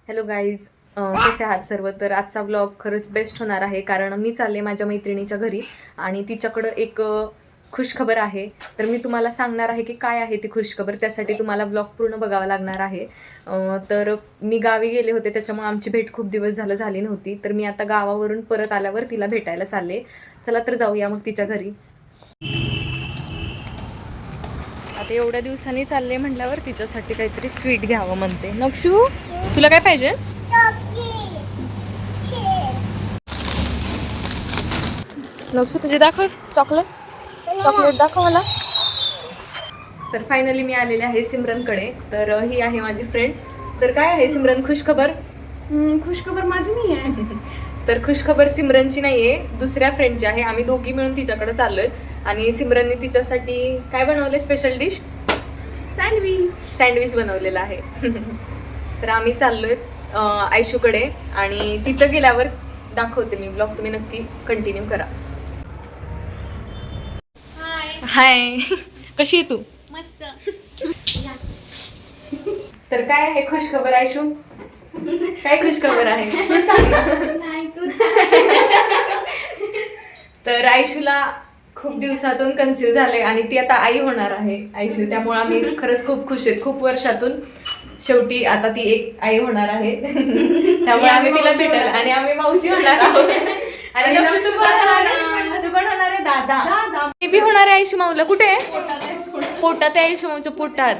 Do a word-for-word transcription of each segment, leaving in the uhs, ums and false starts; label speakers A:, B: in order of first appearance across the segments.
A: Hello guys, कसे आहात सर्व. तर आजचा ब्लॉग खरंच बेस्ट होणार आहे, कारण मी चालले माझ्या मैत्रिणीच्या घरी आणि तिच्याकडं एक अ, खुशखबर आहे. तर मी तुम्हाला सांगणार आहे की काय आहे ती खुशखबर. त्यासाठी तुम्हाला ब्लॉग पूर्ण बघावा लागणार आहे. अ, तर मी गावी गेले होते, त्याच्यामुळे आमची भेट खूप दिवस झालं झाली नव्हती. तर मी आता गावावरून परत आल्यावर तिला भेटायला चालले. चला तर जाऊया मग तिच्या घरी. आता एवढ्या दिवसांनी चालले म्हटल्यावर तिच्यासाठी काहीतरी स्वीट घ्यावं म्हणते. नक्षू, तुला काय पाहिजे? नक्षू, तुझे दाखव चॉकलेट. चॉकलेट दाखव मला. तर फायनली मी आलेले आहे सिमरनकडे. तर अ, ही आहे माझी फ्रेंड. तर काय आहे सिमरन खुशखबर?
B: खुशखबर माझी नाही आहे.
A: तर खुशखबर सिमरनची नाहीये, दुसऱ्या फ्रेंडची आहे. आम्ही दोघी मिळून तिच्याकडे चाललोय आणि सिमरनने तिच्यासाठी काय बनवलंय स्पेशल डिश?
B: सँडविच.
A: सँडविच बनवलेला आहे. तर आम्ही चाललोय अ, आयशूकडे आणि तिथं गेल्यावर दाखवते मी ब्लॉग. तुम्ही नक्की कंटिन्यू करा.
B: हाय.
A: हाय. कशी आहे तू?
B: मस्त.
A: तर काय आहे खुशखबर आयशू? काय खुशखबर आहे तू सांग ना.
B: नाही तू
A: तर आयशूला खूप दिवसातून कन्सिव्ह झाले आणि ती आता आई होणार आहे आयशू. त्यामुळे आम्ही खरंच खूप खुश आहेत. खूप वर्षातून शेवटी आता ती एक आई होणार आहे. त्यामुळे आम्ही तिला भेटायला आणि आम्ही मावशी होणार आहोत. आणि लक्ष तू कोण होणार आहे? तू कोण होणार आहे? दादा. बेबी होणार आहे आयशू माऊला. कुठे आहे? पोटात आहे आयशू माऊच्या पोटात.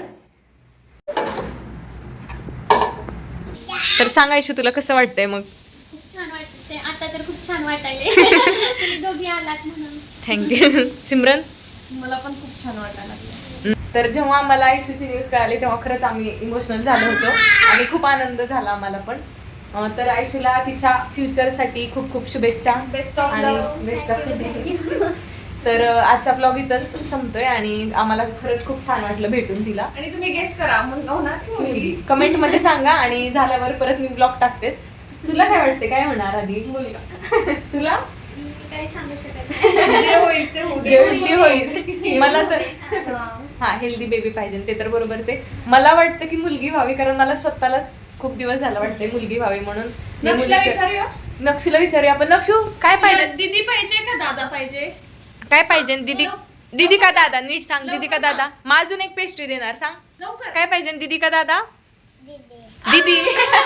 A: तर सांग आयशू, तुला कसं वाटतंय मग?
B: खूप छान वाटते आता तर खूप छान वाटायले. तुम्ही दोघी आलात म्हणून
A: थँक्यू. सिमरन?
B: मला पण खूप छान वाटायला लागलं.
A: तर जेव्हा आम्हाला आयशूची न्यूज कळाली तेव्हा खरंच आम्ही इमोशनल झालो होतो आणि खूप आनंद झाला आम्हाला पण. अं, तर आयशूला तिच्या फ्युचरसाठी खूप खूप शुभेच्छा.
B: बेस्ट ऑफ
A: आणि बेस्ट ऑफ तर अं, आजचा ब्लॉग इथंच संपतोय आणि आम्हाला खरंच खूप छान वाटलं भेटून तिला.
B: आणि तुम्ही गेस करा मुलगा होणार की मुलगी?
A: कमेंट मध्ये सांगा आणि झाल्यावर परत मी ब्लॉग टाकतेच. तुला काय वाटते काय होणार आधी?
B: मुलगा.
A: तुला?
B: काही सांगू शकत नाही. जे होईल ते होईल.
A: जे होईल ते होईल. मला तर हा हेल्दी बेबी पाहिजे, ते तर बरोबरच आहे. मला वाटतं की मुलगी व्हावी, कारण मला स्वतःलाच खूप दिवस झाला वाटतंय मुलगी व्हावी म्हणून. मी
B: नक्षला
A: मुलीच्या-
B: विचारूया.
A: नक्षूला विचारूया आपण. नक्षू, काय पाहिजे?
B: दीदी पाहिजे का दादा पाहिजे?
A: काय पाहिजे? दीदी दीदी का दादा? नीट सांग. दीदी का
B: लवकर
A: दादा? मग अजून एक पेस्ट्री देणार, सांग.
B: लवकर.
A: काय पाहिजे? दीदी का दादा? दीदी.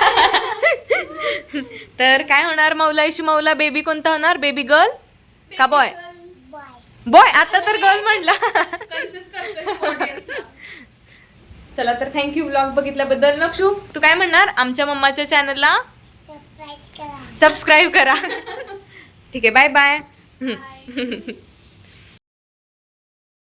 A: तर काय होणार मौला? इशू मौला बेबी कोणता होणार? बेबी गर्ल का बॉय? बॉय. आता तर गर्ल म्हणला.
B: कन्फ्युज करतोय ऑडियन्सला.
A: चला तर थँक्यू ब्लॉग बघितल्याबद्दल. नक्षू, तू काय म्हणणार? आमच्या मम्माच्या चॅनलला सबस्क्राईब करा. ठीक आहे, बाय बाय.
B: Bye.